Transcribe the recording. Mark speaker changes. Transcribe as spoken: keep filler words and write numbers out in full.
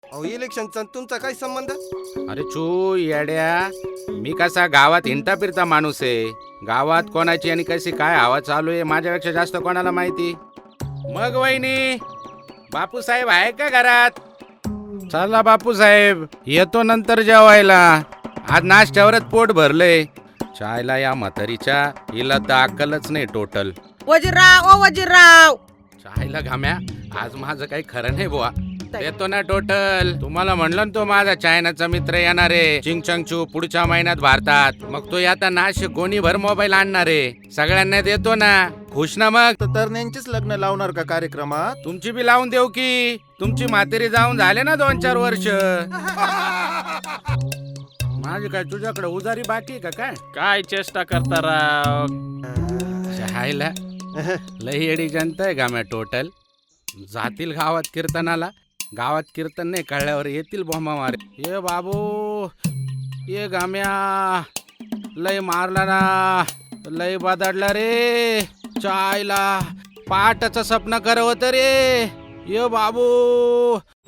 Speaker 1: अहो इलेक्शनचा तुमचा काय संबंध?
Speaker 2: अरे चू येड्या, मी कसा गावात हिंडता फिरता माणूस आहे. गावात कोणाची आणि कशी काय हवा चालू आहे माझ्यापेक्षा जास्त कोणाला माहिती. मग वहिनी, बापू साहेब आहे का घरात? चला बापू साहेब, येतो नंतर जेवायला. आज नाश्त्यावरच पोट भरलंय. चायला या म्हातारीच्या हिला तर अक्कलच नाही टोटल.
Speaker 3: वजीरराव ओ वजीरराव.
Speaker 2: चायला घाम्या, आज माझं काही खरं नाही बुवा. येतो ना टोटल. तुम्हाला म्हणलं ना तो माझा चायनाचा मित्र येणार आहे चिंगचंगचू पुढच्या महिन्यात भारतात. मग तो आता नाशिक कोणी भर मोबाईल आणणार आहे. सगळ्यांना देतो ना. खुश ना मग?
Speaker 1: तर तरण्यांचीच लग्न लावणार का कार्यक्रमात?
Speaker 2: तुमची बी लावून देऊ की. तुमची म्हातारी जाऊन झाले ना दोन चार वर्ष. माझी काय तुझ्याकडे उजारी बाकी का काय?
Speaker 4: काय चेष्टा करता राव.
Speaker 2: चायला लई येडी जनता आहे गाम्या टोटल. जातील गावात कीर्तनाला. गावात कीर्तन नाही कळल्यावर येतील बोंबा मारे. ये बाबू ये गाम्या, लय मारला ना, लय बदडला रे. चायला पाटाचं स्वप्न करवत रे. ये बाबू